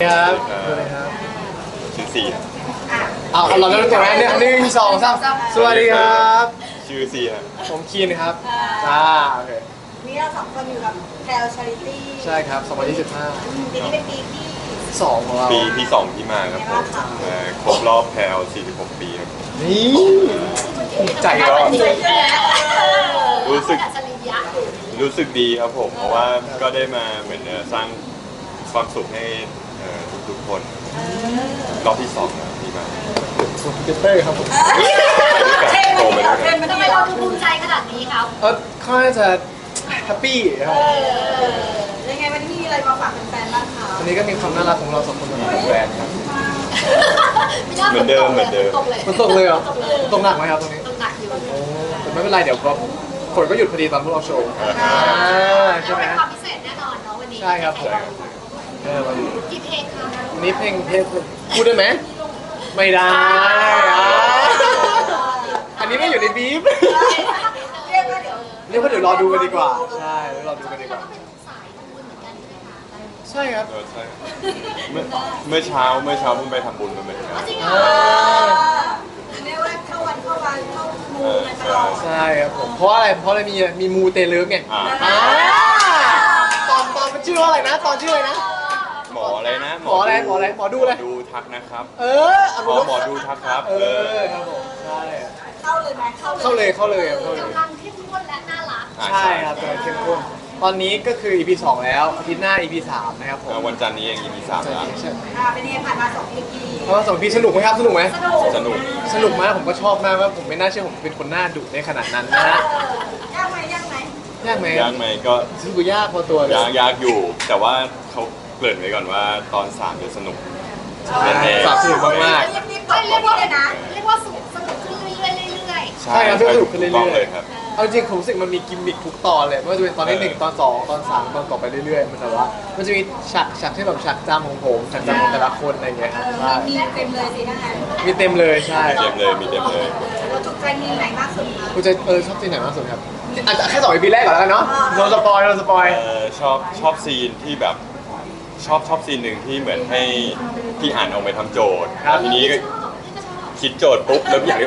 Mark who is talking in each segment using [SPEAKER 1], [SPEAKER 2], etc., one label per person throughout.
[SPEAKER 1] ครับสวัสดีครับ
[SPEAKER 2] ชื่อซี
[SPEAKER 1] เอาเราเริ่มตัวแรกเนี่ย1 2 3สวัสดีครับ
[SPEAKER 2] ชื่อซีครับ
[SPEAKER 1] ผมคีนครับโอเค
[SPEAKER 3] นี่เราสองคนอยู่กับแพลวชาริตี้
[SPEAKER 1] ใช่ครับ2025
[SPEAKER 3] ปีนี้เป็นปีที่
[SPEAKER 1] 2ของเรา
[SPEAKER 2] ปีที่2ที่มาครับผมครบรอบแพลว46 ปีครับ
[SPEAKER 1] นี่ภูมิใจเหรอ
[SPEAKER 2] รู้สึกดีครับผม เพราะว่าก็ได้มาเหมือนสร้างความสุขให้ทุกๆคนรอบที่2นะที่มา
[SPEAKER 1] คอมพิวเตอร์ครับผม
[SPEAKER 3] เทรนมันดีเทรนมัน
[SPEAKER 4] ทำ
[SPEAKER 3] ดี
[SPEAKER 4] ไมเราดูภูมิใจขนาดนี้ครับ
[SPEAKER 1] ค่อนข้างจะแฮปปี้ครับ
[SPEAKER 3] ยังไงวันนี้มีอะไรมาฝากแฟนๆบ้างคะ
[SPEAKER 1] วันนี้ก็มีความน่ารักของเรา2 คนมาแบรนด์ครับ
[SPEAKER 2] เหมือนเดิม
[SPEAKER 4] ตกเลย
[SPEAKER 1] มันตกเลยเหรอมันตกหนักไหมครับตรงนี้
[SPEAKER 4] ตกหนักอยู่
[SPEAKER 1] โอ้แต่ไม่เป็นไรเดี๋ยวก็ฝนก็หยุดพอดีตอนพวกเราโชว์ใช่ไหม
[SPEAKER 4] เป็นความพิเศษแน่นอนเนาะวันนี้
[SPEAKER 1] ใช่ครับผม วันนี้
[SPEAKER 4] กี่เพลงครับ
[SPEAKER 1] วันนี้เพลงพูดได้ไหมไม่ได้อันนี้ไม่อยู่ในบีฟ
[SPEAKER 3] เรียกว่าเดี๋ยว
[SPEAKER 1] เรียกว่าเดี๋ยวรอดูกันดีกว่าใช่เดี๋ยวรอดูกันดีกว่า
[SPEAKER 4] ก็เป็นสายทำบุญเหมือนกันใช่ไหมคะ
[SPEAKER 1] ใช่ครับ
[SPEAKER 2] ใช่เมื่อเช้าเพิ่งไปทำบุญมาเหมือนกัน
[SPEAKER 4] จริงเหร
[SPEAKER 1] อ่
[SPEAKER 4] อา
[SPEAKER 3] เรียกว่าเข้าวันเข้ามูกันตลอด
[SPEAKER 1] ใช่ครับผมเพราะอะไรมีมูเตลึกไงตอนมันชื่อว่าอะไรนะตอนชื่ออะไรนะ
[SPEAKER 2] หมออะไรนะ
[SPEAKER 1] หมออะไรหมอดูอะไร
[SPEAKER 2] ดูทักนะครับ หมอดูทักครับ
[SPEAKER 1] ครับผมใช่
[SPEAKER 3] เข้าเลยไหม
[SPEAKER 1] เข้าเลยครับ
[SPEAKER 4] กำลังเข้มข้นและน่ารัก
[SPEAKER 1] ใช่ครับกำลังเข้มข้นตอนนี้ก็คือ EP 2 แล้วอาทิตย์หน้า EP 3 นะครับผม
[SPEAKER 2] วันจันทร์นี้เอง EP 3แล้ว
[SPEAKER 1] ใช่
[SPEAKER 3] เป็นยังไงผ่านมา2 EP
[SPEAKER 1] เพราะว่า2 EP สนุกไหมครับสนุกไหม
[SPEAKER 2] สนุก
[SPEAKER 1] สนุกมากผมก็ชอบมากว่าผมไม่น่าเชื่อผมเป็นคนหน้าดุในขนาดนั้นนะฮะ
[SPEAKER 3] ยากไหม
[SPEAKER 1] ยากไหม
[SPEAKER 2] ยากไหมก็
[SPEAKER 1] สนุกยากพอตัวเลย
[SPEAKER 2] ยากอยู่ แต่ว่าเขาเกริ่นไว้ก่อนว่าตอน3จะสนุกแน่ๆ
[SPEAKER 1] สามสนุกมาก
[SPEAKER 3] รีบๆกดกดเลยนะ
[SPEAKER 4] เรียกว่าสนุกขึ้นเรื่อยๆ
[SPEAKER 1] ใช่ครับสนุกขึ้นเรื่อยๆ
[SPEAKER 2] ถูต้องเลยครับ
[SPEAKER 1] ๆเอาจริงผมรู้สึกมันมีกิมมิคทุกตอนเลยไม่ว่าจะเป็นตอนที่1ตอน2ตอน3ตอนต่อไปเรื่อยๆมันแต่ว่ามันจะมีฉากที่แบบฉากจำของผมฉากจำของแต่ละคนอะไรอย่างเงี้ยครับใช่
[SPEAKER 3] มีเต็มเลยสิถ้างั้น
[SPEAKER 1] มีเต็มเลยใช่
[SPEAKER 2] มีเต็มเลย
[SPEAKER 3] เราถูกใจมีไหนมากสุดคะ
[SPEAKER 1] คุณจะชอบซีนไหนมากสุดครับอาจจะแค่2 EP แรกก่อนแล้วกันเนาะโดนสปอย
[SPEAKER 2] ชอบซีนที่แบบชอบซีนหนึ่งที่เหมือนให้พี่อ่านออกไปทำโจทย์แล้วทีนี้ก็คิดโจทย์ปุ๊บแล้วอย่างนี้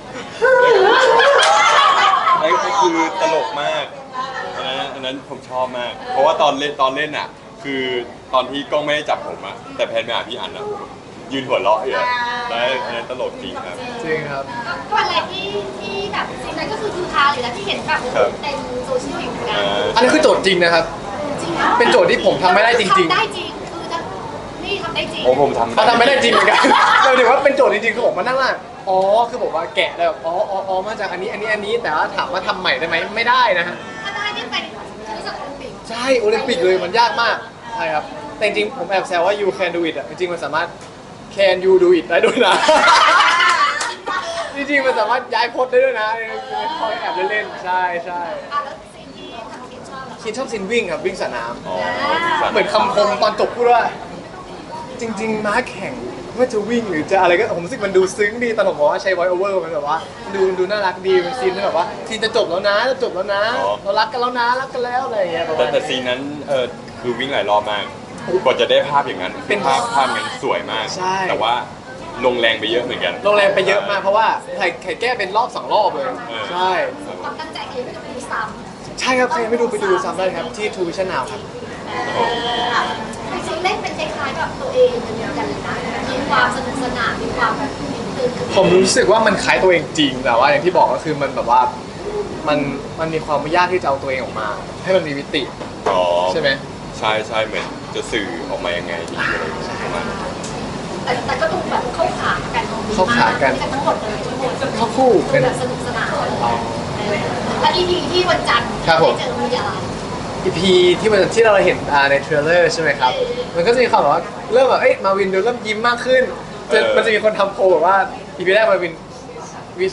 [SPEAKER 2] นั่นก็คือตลกมากอันนั้นผมชอบมาก เพราะว่าตอนเล่นอ่ะ คือตอนที่กล้องไม่ได้จับผมอะแต่แพนไปหาพี่อ่านอะผมยืนหัวเราะอยู่อะแล้วอันนั้นตลกจริงครับ
[SPEAKER 1] จริงครับ
[SPEAKER 4] ก็อะไรที่แบบสิ่งนั้นก็คือฮาอยู่แล้วที่เห็นแบบเต็มโซเชียลอยู่เหมือนกัน
[SPEAKER 1] อันนี้คือโจทย์จริงนะครับ
[SPEAKER 4] จริง
[SPEAKER 1] เป็นโจทย์ที่ผมทำไม่ได้จริง
[SPEAKER 4] ทำได้จริงคือนี่ทำได้จริง
[SPEAKER 2] โอ้ผมทำ
[SPEAKER 1] เขาทำไม่ได้จริงเหมือนกันเราถือว่าเป็นโจทย์จริงๆคือผมมานั่งว่าคือผมว่าแกะแล้วมาจากอันนี้แต่ว่าถามว่าทำใหม่ได้ไหมไม่ได้นะฮะ
[SPEAKER 4] ถ้าได้นี่ไปคณิตศาสตร์โอลิมปิก
[SPEAKER 1] ใช่โอลิมปิกเลยมันยากมากใช่ครับแต่จริงๆผมแอบแซวว่า you can do it อ่ะจริงๆมันสามารถ can you do it ได้ด้วยนะ จริงๆมันสามารถย้ายพจน์ได้ด้วยนะคอยแอบเล่นๆใช่
[SPEAKER 4] แล้วสิ่งที่ทางคิดชอบเหรอ
[SPEAKER 1] คิดชอบซินวิ่งครับวิ่งสนาม
[SPEAKER 2] อ๋อ
[SPEAKER 1] เหมือนคำคมตอนจบพูดว่า จริง ๆ ม้าแข่งว่าจะวิ่งหรือจะอะไรก็ผมรู้สึกมันดูซึ้งดีตอนผมบอกว่าใช้ voice over มันแบบว่าดูน่ารักดีเป็นซีนที่แบบว่าซีนจะจบแล้วนะเรารักกันแล้วนะรักกันแล้วอะไรอย่างเงี้ยประมาณ
[SPEAKER 2] แต่ซีนนั้นคือวิ่งหลายรอบมากกว่าจะได้ภาพอย่างนั้น
[SPEAKER 1] เป็น
[SPEAKER 2] ภาพงั้นสวยมาก
[SPEAKER 1] ใช่
[SPEAKER 2] แต่ว่าลงแรงไปเยอะเหมือนกัน
[SPEAKER 1] โรงแรมไปเยอะมากเพราะว่าไข่แก้เป็นรอบ2 รอบเลย ใช่
[SPEAKER 4] ความตั้งใจคือไม่ต้องดูซ้
[SPEAKER 1] ใช่ครับใครไม่ดูไปดูซ้ำได้ครับที่ True Vision Now ครับ
[SPEAKER 4] ำจริงๆเล่นเป็นคล้ายๆกับตัวเองเหมือนกันเลยนะมีความสนุกสนานมีความตื่น
[SPEAKER 1] ผมรู้สึกว่ามันคล้ายตัวเองจริงแต่ว่าอย่างที่บอกก็คือมันแบบว่ามันมีความยากที่จะเอาตัวเองออกมา ให้มันมีมิติ
[SPEAKER 2] อ๋อ
[SPEAKER 1] ใช่ไหม
[SPEAKER 2] ใช่เหมือนจะสื่อออกมายังไงดีอะไรอย่างเงี้ยประมาณนั้น
[SPEAKER 4] แต่ก็ดูแบบเข้าขากัน
[SPEAKER 1] เข้าขากัน
[SPEAKER 4] ทั้งหมดเลยทั้งหมด
[SPEAKER 1] เข้าคู่
[SPEAKER 4] เป็
[SPEAKER 1] เป็น น
[SPEAKER 4] แบบสนุกสนานและ EP ที่วันจันทร์
[SPEAKER 1] ครับผม
[SPEAKER 4] ได้เจอมีอะไร
[SPEAKER 1] EP ที่เราเห็นในเทรลเลอร์ใช่ไหมครับ มันก็จะมีความแบบว่าเริ่มแบบมาวินดูเริ่มยิ้มมากขึ้นมันจะมีคนทำโพลแบบว่า EP แรกมาวิน EP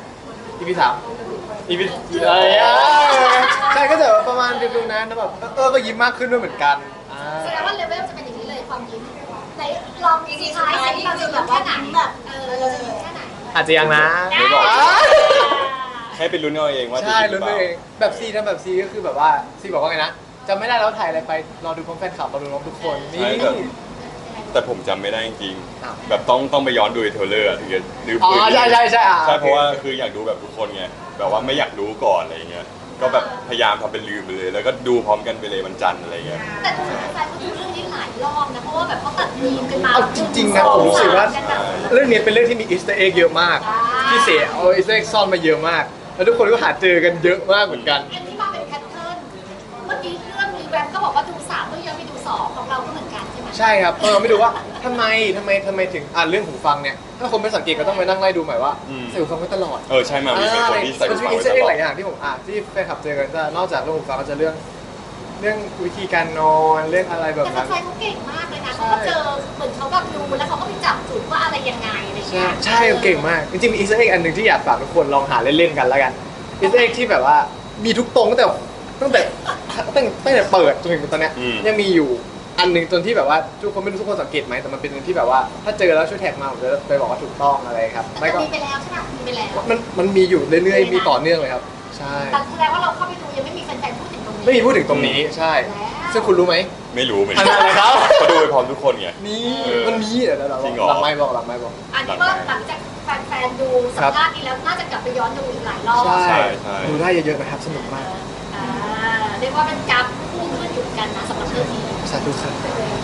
[SPEAKER 1] 2 EP 3 EP อะไรใช่ก็จะประมาณดูนั้นแล้วแบบก็ยิ้มมากขึ้นด้วยเหมือนกัน
[SPEAKER 4] แสดงว่าเลเวลจะเป็นอย่างนี้เลยความยิ้มในลองทีท้ายสิเราจะยิ้มแค่ไหนแบบเราจะยิ้มแค่ไหน
[SPEAKER 1] อาจจะยังนะ
[SPEAKER 2] ไม่บอก ให้เป็นลุ้นเอาเองว่าจะ
[SPEAKER 1] ใช่
[SPEAKER 2] ดีหรื
[SPEAKER 1] ลุ้
[SPEAKER 2] อน เป
[SPEAKER 1] ตัว
[SPEAKER 2] ล่า
[SPEAKER 1] เองแบบซีทำแบบซีก็คือแบบว่าซีบอกว่าไงนะจำไม่ได้แล้วถ่ายอะไรไปรอดูพร้อมแฟนคลับรอดูพร้อมทุกคนนี่
[SPEAKER 2] ใช่ครับแต่ผมจำไม่ได้จริง
[SPEAKER 1] อ้าว
[SPEAKER 2] ๆแบบต้องไปย้อนดูในเทรลเลอร์อะถึงจะนึก
[SPEAKER 1] อ๋อ
[SPEAKER 2] ฟื้น
[SPEAKER 1] ใช่ใช่ใช่อ่ะ
[SPEAKER 2] ใช่เพราะว่า
[SPEAKER 1] โอค
[SPEAKER 2] คืออยากดูแบบทุกคนไงแบบว่าไม่อยากรู้ก่อนอะไรเงี้ยก็แบบพยายามทำเป็นลืมไปเลย แล้วก็ดูพร้อมกันไปเลยวันจันทร์อะไรเงี้ย
[SPEAKER 4] แต่ดูแฟนๆเขาดูเรื่องนี้หลายรอบนะเพราะว่าแบบเขาตัดมีมกันมา
[SPEAKER 1] เอาจริงๆนะผมรู้สึกว่า
[SPEAKER 4] กันแบบ
[SPEAKER 1] เรื่องนี้เป็นเรื่องที่มีอีสเตอร์เอ็กเยอะมาก
[SPEAKER 4] ใช่
[SPEAKER 1] ที่เสียเอาอีสเตอร์เอ็กซ่อนมาเยอะมาก แล้วทุกคนก็หาเจอกันเยอะมากเหมือนกัน
[SPEAKER 4] อันนี้มาเป็นแพทเทิร์นเมื่อกี้เรื่องมีแวมก็บอกว่าดู3เรื่องยังไม่ดู2ของเราก็เหมือนกันใช่ไหม
[SPEAKER 1] ใช่ครับไม่ดูว่าทำไมถึงเรื่องหูฟังเนี่ยถ้าคนไม่สังเกตก็ต้องไปนั่งไล่ดูใหม่ว่า
[SPEAKER 2] อืม
[SPEAKER 1] ใส่หูฟังไว้ตลอด
[SPEAKER 2] ใช่มามีเป็นคนที่ใส่
[SPEAKER 1] มัน
[SPEAKER 2] หู
[SPEAKER 1] จะมี
[SPEAKER 2] ฟัง
[SPEAKER 1] อีส
[SPEAKER 2] ไว้
[SPEAKER 1] เตอร์
[SPEAKER 2] ต
[SPEAKER 1] เอ็ก
[SPEAKER 2] ลอด
[SPEAKER 1] หลายอย่างที่ผมที่แฟนคลับเจอกันจะนอกจากเรื่องหูฟังก็จะเรื่องวิธีการนอนเรื่องอะไรแบบ
[SPEAKER 4] แต่
[SPEAKER 1] นั้น
[SPEAKER 4] แฟนๆเขาเก่งมากเลยนะเขาก็เจอเหมือนเขาแบบดูแล้วเขาก็ไปจับจุดว่าอะไรยังไงอะไร
[SPEAKER 1] ใช่
[SPEAKER 4] เงี้ย
[SPEAKER 1] ใช่เก่งมาก จริงๆมีอีสเตอร์เอ็กอันหนึ่งที่อยากฝากทุกคนลองหาเล่นๆกันแล้วกันอีสเตอร์เอ็กที่แบบว่ามีทุกตรงตั้งแต่เปิดจนถึงตอนเนี้ยยังมีอยู่อันหนึ่งจนที่แบบว่าทุกคนไม่รู้ทุกคนสังเกตไหมแต่มันเป็นอันที่แบบว่าถ้าเจอแล้วช่วยแท็กมาผมจะไปบอกว่าถูกต้องอะไรครับ
[SPEAKER 4] แต่
[SPEAKER 1] ไม่ก็
[SPEAKER 4] มีไปแล้วใช่ไหมมีไปแล้ว
[SPEAKER 1] มันมีอยู่เรื่อยๆมีต่อเนื่องเลยครับ ใช่
[SPEAKER 4] แต่แสดงว่าเราเข้าไปดูยังไม่มีแฟนๆพูดถึงตรงนี้
[SPEAKER 1] ไม่มีพูดถึงตรงนี้ใช่
[SPEAKER 4] แล้ว
[SPEAKER 1] ซึ่งคุณรู้ไหม
[SPEAKER 2] ไม่รู้เหมือน
[SPEAKER 1] อั
[SPEAKER 2] กัน น
[SPEAKER 1] นั้นอะไรครับ
[SPEAKER 2] ก็ดูไปพร้อมทุกคนไง
[SPEAKER 1] นี่
[SPEAKER 2] เออ
[SPEAKER 1] มันมีเดี๋ยวเรา
[SPEAKER 2] จริงเหรอ
[SPEAKER 1] หลังไม่บอกหลังไม่บอก
[SPEAKER 4] อันนี้ก็หลังจากแฟนๆดูสัมภาษณ์นี้แล้วน่าจะกลับไปย้อนดูอีกหลายรอบ
[SPEAKER 1] ใช่
[SPEAKER 2] ใช่
[SPEAKER 1] ดูได้เยอะๆนะครับสนุกมาก
[SPEAKER 4] อ่าเรียกว่าเป็นกราฟพุ่งขึ้นอยู่เหมือนกันนะสำหรับเรื่องนี้
[SPEAKER 1] สาธุครับ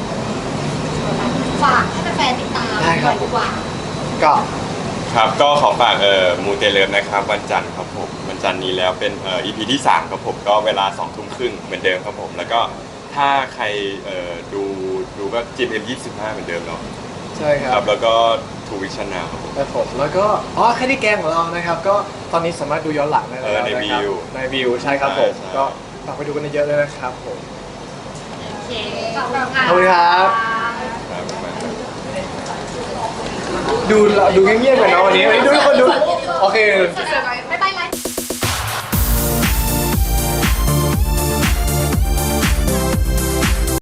[SPEAKER 4] ฝากให้แฟนๆติดตาม
[SPEAKER 1] ได้
[SPEAKER 4] ห
[SPEAKER 1] ครั
[SPEAKER 4] น่
[SPEAKER 1] บ
[SPEAKER 4] อยดีกว่า
[SPEAKER 1] ก็
[SPEAKER 2] ครับก็ขอฝากมูเตเลิฟนะครับวันจันทร์ครับผมวันจันทร์นี้แล้วเป็นEP ที่3ครับผมก็เวลา2 ทุ่มครึ่งเหมือนเดิมครับผมแล้วก็ถ้าใครดูก็ GMM25 เหมือนเดิมเนาะ
[SPEAKER 1] ใช่ค
[SPEAKER 2] ค
[SPEAKER 1] รั
[SPEAKER 2] รั
[SPEAKER 1] บบ
[SPEAKER 2] แล้วก็ทูวิชั่นนาวครับผม
[SPEAKER 1] ครับผมแล้วก็แค่ที่แกงของเรานะครับ ก็ตอนนี้สามารถดูย้อนหลังได้แล้ว
[SPEAKER 2] ใน
[SPEAKER 1] นะครับ
[SPEAKER 2] วิว
[SPEAKER 1] ในวิวใช่ครับผม
[SPEAKER 2] ใช่
[SPEAKER 1] ก็ฝากไปดูกันเยอะๆเลยนะครับผม
[SPEAKER 4] โอเคขอบคุณค่ะ
[SPEAKER 1] ขอบคุณครับ
[SPEAKER 2] ครับประมาณนั้น
[SPEAKER 1] ดูเงียบๆกันเนาะวันนี้ดูทุกคนดูโอเค
[SPEAKER 4] Survivor